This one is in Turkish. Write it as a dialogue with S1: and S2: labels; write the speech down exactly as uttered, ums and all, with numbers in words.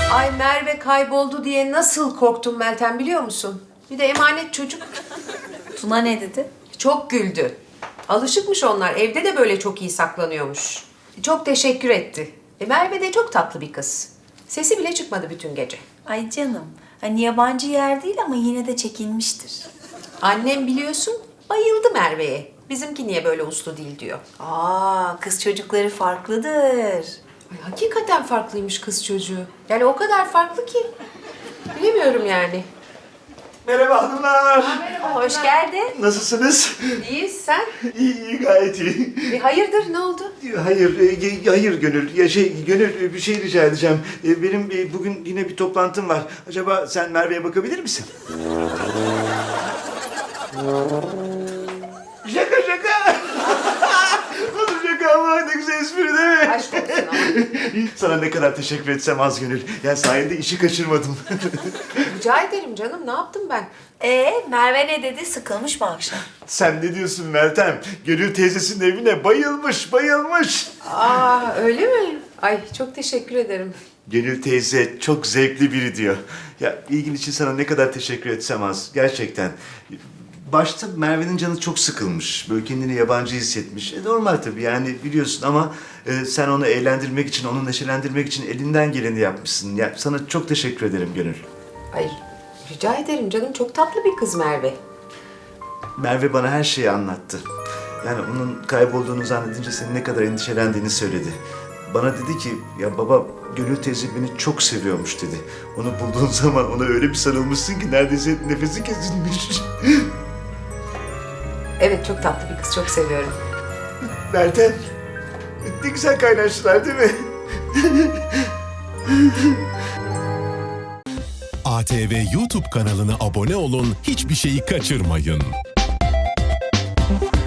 S1: Ay Merve kayboldu diye nasıl korktum Meltem biliyor musun? Bir de emanet çocuk.
S2: Tuna ne dedi?
S1: Çok güldü. Alışıkmış onlar. Evde de böyle çok iyi saklanıyormuş. Çok teşekkür etti. E Merve de çok tatlı bir kız. Sesi bile çıkmadı bütün gece.
S2: Ay canım. Hani yabancı yer değil ama yine de çekinmiştir.
S1: Annem biliyorsun bayıldı Merve'ye. Bizimki niye böyle uslu değil diyor.
S2: Aa, kız çocukları farklıdır.
S1: Ay, hakikaten farklıymış kız çocuğu. Yani o kadar farklı ki. Bilemiyorum yani.
S3: Merhaba hanımlar.
S1: Merhaba, hoş geldin.
S3: Nasılsınız?
S1: İyiyiz sen.
S3: İyi, iyi gayet iyi.
S1: E, hayırdır ne oldu?
S3: Hayır, e, hayır Gönül. Ya şey, Gönül e, bir şey rica edeceğim. E, Benim e, bugün yine bir toplantım var. Acaba sen Merve'ye bakabilir misin? Şaka şaka. Nasıl şaka ama ne güzel espri değil mi?
S1: Aşk olsun ama.
S3: Sana ne kadar teşekkür etsem az Gönül. Yani sayende işi kaçırmadım.
S1: Rica ederim canım ne yaptım ben?
S2: Ee, Merve ne dedi? Sıkılmış mı akşam?
S3: Sen ne diyorsun Meltem? Gönül teyzesinin evine bayılmış, bayılmış.
S1: Aa öyle mi? Ay çok teşekkür ederim.
S3: Gönül teyze çok zevkli biri diyor. Ya ilgin için sana ne kadar teşekkür etsem az. Gerçekten. Başta Merve'nin canı çok sıkılmış. Böyle kendini yabancı hissetmiş. E normal tabii yani biliyorsun ama e, sen onu eğlendirmek için, onu neşelendirmek için elinden geleni yapmışsın. Ya sana çok teşekkür ederim Gönül.
S1: Ay rica ederim canım çok tatlı bir kız Merve.
S3: Merve bana her şeyi anlattı. Yani onun kaybolduğunu zannedince senin ne kadar endişelendiğini söyledi. Bana dedi ki, ya baba Gönül teyze beni çok seviyormuş dedi. Onu bulduğun zaman ona öyle bir sarılmışsın ki neredeyse nefesi kesilmiş.
S1: Evet çok tatlı bir kız çok seviyorum.
S3: Meltem, ne güzel kaynaştılar değil mi?
S4: A T V YouTube kanalına abone olun, hiçbir şeyi kaçırmayın.